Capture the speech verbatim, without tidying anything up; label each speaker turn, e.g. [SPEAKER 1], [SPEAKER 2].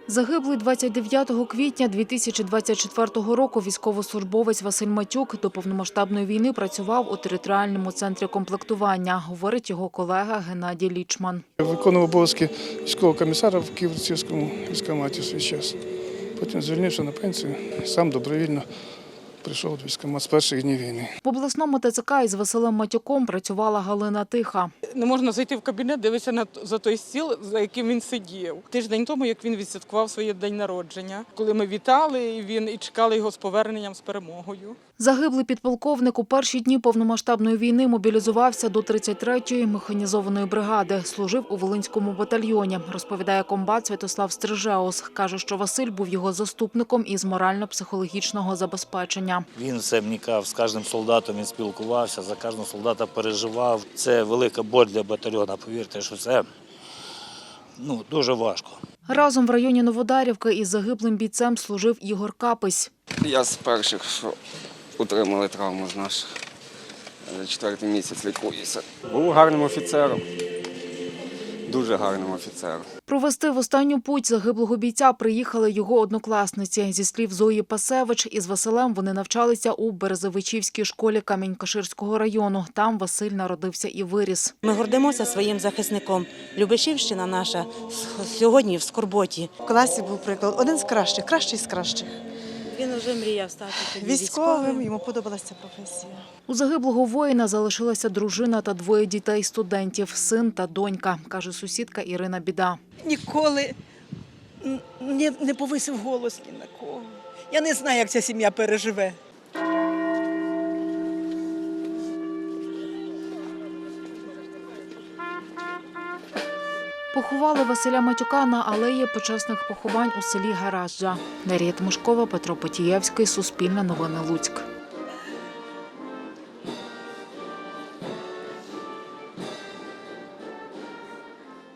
[SPEAKER 1] Загиблий двадцять дев'ятого квітня дві тисячі двадцять четвертого року військовослужбовець Василь Матюк до повномасштабної війни працював у територіальному центрі комплектування, говорить його колега Геннадій Лічман.
[SPEAKER 2] Виконував обов'язки військового комісара в Києво-Печерському військкоматі в свій час. Потім звільнився на пенсію, сам добровільно прийшов до військкомату з перших днів війни.
[SPEAKER 1] В обласному ТЦК із Василем Матюком працювала Галина Тиха.
[SPEAKER 3] Не можна зайти в кабінет, дивитися на за той стіл, за яким він сидів. Тиждень тому, як він відсвяткував своє день народження, коли ми вітали і він і чекали його з поверненням, з перемогою.
[SPEAKER 1] Загиблий підполковник у перші дні повномасштабної війни мобілізувався до тридцять третьої механізованої бригади. Служив у Волинському батальйоні, розповідає комбат Святослав Стрижеус. Каже, що Василь був його заступником із морально-психологічного забезпечення.
[SPEAKER 4] Він все вникав, з кожним солдатом він спілкувався, за кожного солдата переживав. Це велика боль для батальйону, повірте, що це ну, дуже важко.
[SPEAKER 1] Разом в районі Новодарівки із загиблим бійцем служив Ігор Капись.
[SPEAKER 5] Я з перших, що отримали травму з наших. Четвертий місяць лікуюся. Був гарним офіцером, дуже гарним офіцером.
[SPEAKER 1] Провести в останню путь загиблого бійця приїхали його однокласниці. Зі слів Зої Пасевич, із Василем вони навчалися у Березовичівській школі Камінь-Каширського району. Там Василь народився і виріс.
[SPEAKER 6] Ми гордимося своїм захисником. Любешівщина наша сьогодні в скорботі.
[SPEAKER 7] В класі був приклад один з кращих, кращий з кращих.
[SPEAKER 6] Він вже мріяв стати
[SPEAKER 7] Військовим, йому подобалася професія.
[SPEAKER 1] У загиблого воїна залишилася дружина та двоє дітей-студентів – син та донька, каже сусідка Ірина Біда.
[SPEAKER 8] Ніколи не, не повисив голос ні на кого. Я не знаю, як ця сім'я переживе.
[SPEAKER 1] Поховали Василя Матюка на алеї почесних поховань у селі Гаражджа. Дар'я Тимошкова, Петро Потієвський, Суспільне новини, Луцьк.